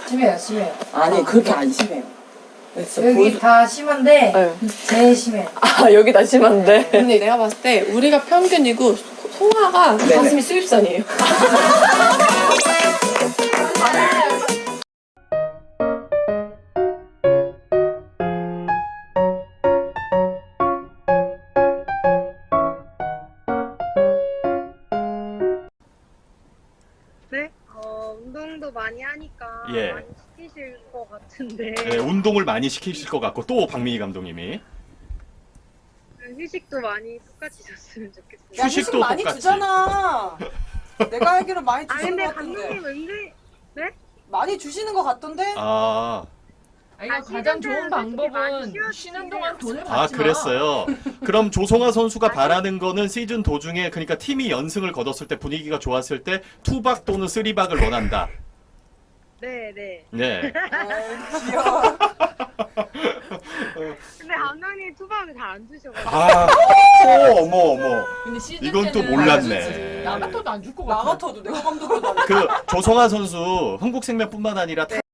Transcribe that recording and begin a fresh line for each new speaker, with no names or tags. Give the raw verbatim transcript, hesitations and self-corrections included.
심해요, 심해요.
아니 그렇게 안 심해요.
여기
보여줘.
다 심한데
네.
제일 심해요.
아 여기 다 심한데. 근데 내가 봤을 때 우리가 평균이고 송아가
네네.
가슴이 수입선이에요.
네? 어, 운동도 많이 하니까
예.
많이 시키실 것 같은데
네, 운동을 많이 시키실 것 같고 또 박민희 감독님이
휴식도 많이 똑같이 줬으면 좋겠어요.
야, 휴식
휴식도
많이
똑같이.
주잖아. 내가 알기로 많이
아
주시는
근데
것 같던데.
감독님 은근 네?
많이 주시는 것 같던데.
아,
아니,
아,
가장 좋은
쉬는 데는 솔직히 많이
방법은
쉬어주지.
쉬는 동안 돈을 받지
아
마.
그랬어요. 그럼 조성아 선수가 바라는 거는 시즌 도중에 그러니까 팀이 연승을 거뒀을 때 분위기가 좋았을 때 투박 또는 쓰리박을 원한다.
네, 네.
네.
아유, 귀여워.
근데 감독님 투박을 잘 안 주셔가지고
아, 오, 어머 어머.
근데 시즌
이건 또
때는
몰랐네.
나 같아도 안 줄 것
나
같아.
같아도 내가 감독이어도 안
그 조성아 선수 흥국생명뿐만 아니라